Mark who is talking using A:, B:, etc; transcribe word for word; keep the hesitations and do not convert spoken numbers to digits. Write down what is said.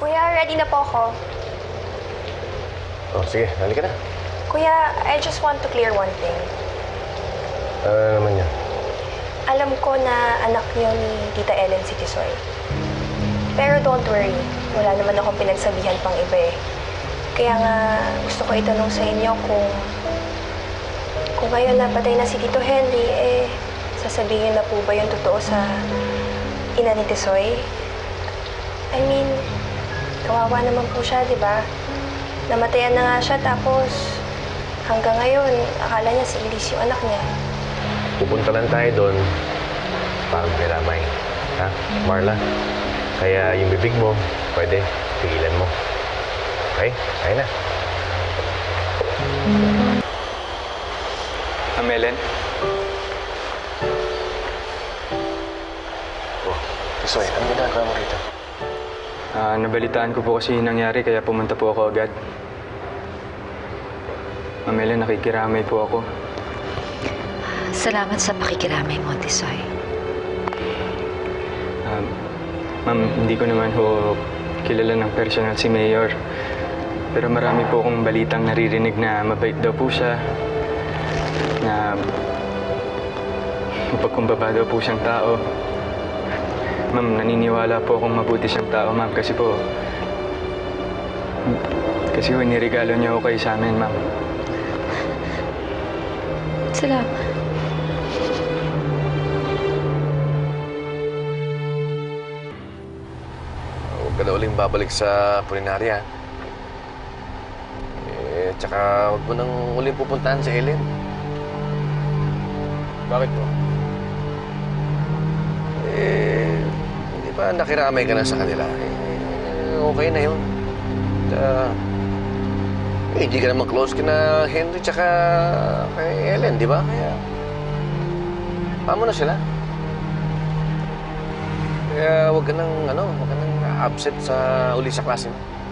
A: Kuya, ready na po ako.
B: Oh, sige. Halika na.
A: Kuya, I just want to clear one thing.
B: Ano naman yan?
A: Alam ko na anak niyo ni Tita Ellen si Tisoy. Pero don't worry, wala naman akong pinagsabihan pang iba eh. Kaya nga gusto ko itanong sa inyo kung kung ngayon na patay na si Tito Henry, eh sasabihin na po ba yung totoo sa ina ni Tisoy? I mean, kawawa naman po siya, di ba? Namatayan na nga siya tapos hanggang ngayon, akala niya si Elise yung anak niya.
B: Pupunta lang tayo doon para magkiramay. Ha? Marla? Kaya yung bibig mo, pwede, pigilan mo. Okay? Kaya na.
C: Amelen?
B: Oh, Tisoy, ano ginagawa mo rito?
C: Ah, nabalitaan ko po kasi yung nangyari kaya pumunta po ako agad. Amelen, nakikiramay po ako.
D: Salamat sa pakikiramay mo, Tisoy.
C: Um, ma'am, hindi ko naman ho kilala ng personal si Mayor. Pero marami po akong balitang naririnig na mabait daw po siya. Na mapagkumbaba daw po siyang tao. Ma'am, naniniwala po akong mabuti siyang tao, ma'am. Kasi po, kasi po, niregalo niya ako kayo sa amin, ma'am.
D: Salamat.
B: Huwag ka na uling babalik sa pulinarya. Eh, tsaka huwag mo nang uling pupuntahan sa Ellen.
C: Bakit po?
B: Eh, hindi ba nakiramay ka na sa kanila? Eh, okay na yun. Uh, eh, hindi ka naman close kina Henry tsaka kay Ellen, di ba? Kaya, paano na sila? Kaya huwag ka nang, ano, huwag ka nang absent sa uli sa klase mo.